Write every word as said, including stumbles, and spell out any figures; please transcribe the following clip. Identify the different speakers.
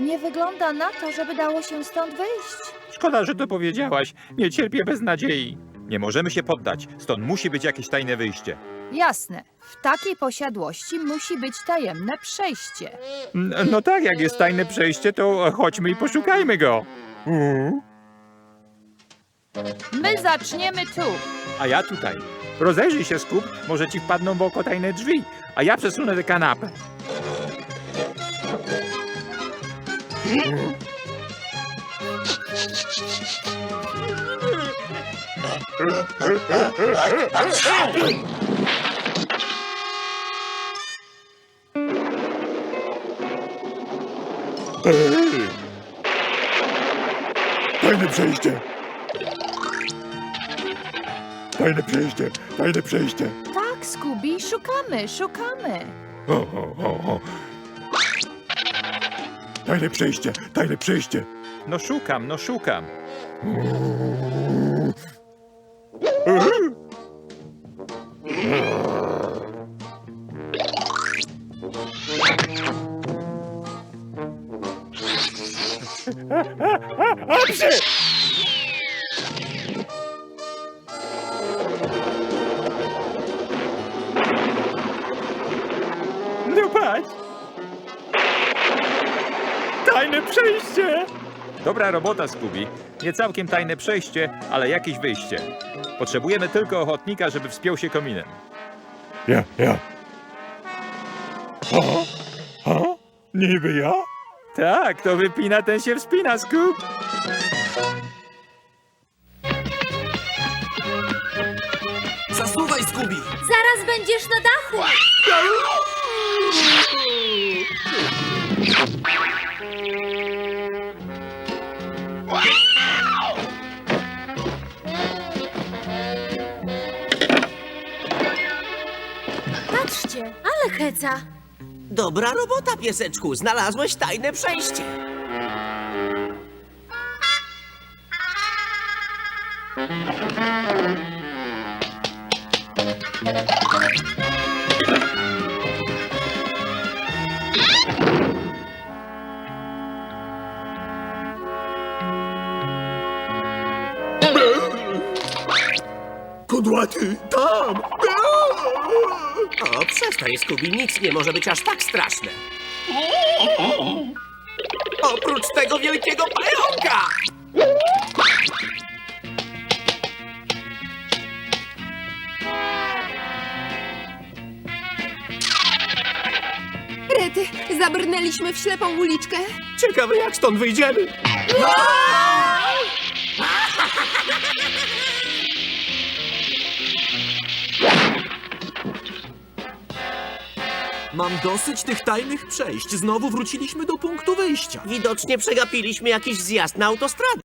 Speaker 1: Nie wygląda na to, żeby dało się stąd wyjść.
Speaker 2: Szkoda, że to powiedziałaś. Nie cierpię bez nadziei. Nie możemy się poddać. Stąd musi być jakieś tajne wyjście.
Speaker 1: Jasne. W takiej posiadłości musi być tajemne przejście.
Speaker 2: N- No tak, jak jest tajne przejście, to chodźmy i poszukajmy go.
Speaker 1: My zaczniemy tu.
Speaker 2: A ja tutaj. Rozejrzyj się, Skup, może ci wpadną w oko tajne drzwi, a ja przesunę tę kanapę.
Speaker 3: Tajne przejście! Tajne przejście! Tajne przejście!
Speaker 1: Tak, Scooby, szukamy, szukamy.
Speaker 3: O, o, o, o. Tajne przejście! Tajne przejście!
Speaker 2: No szukam, no szukam. No patrz! Tajne przejście! Dobra robota, Scooby. Nie całkiem tajne przejście, ale jakieś wyjście. Potrzebujemy tylko ochotnika, żeby wspiął się kominem.
Speaker 3: Ja, ja. Ha? Ha? Niby ja?
Speaker 2: Tak, to wypina, ten się wspina, Scoop.
Speaker 4: Zasuwaj, Scooby!
Speaker 5: Zaraz będziesz na dachu! Patrzcie, ale heca!
Speaker 4: Dobra robota, pieseczku. Znalazłeś tajne przejście.
Speaker 3: Kudłaty, tam!
Speaker 4: O, przestań, Scooby. Nic nie może być aż tak straszne. Oprócz tego wielkiego pająka!
Speaker 6: Rety, zabrnęliśmy w ślepą uliczkę.
Speaker 4: Ciekawe, jak stąd wyjdziemy.
Speaker 7: Mam dosyć tych tajnych przejść. Znowu wróciliśmy do punktu wyjścia.
Speaker 4: Widocznie przegapiliśmy jakiś zjazd na autostradę.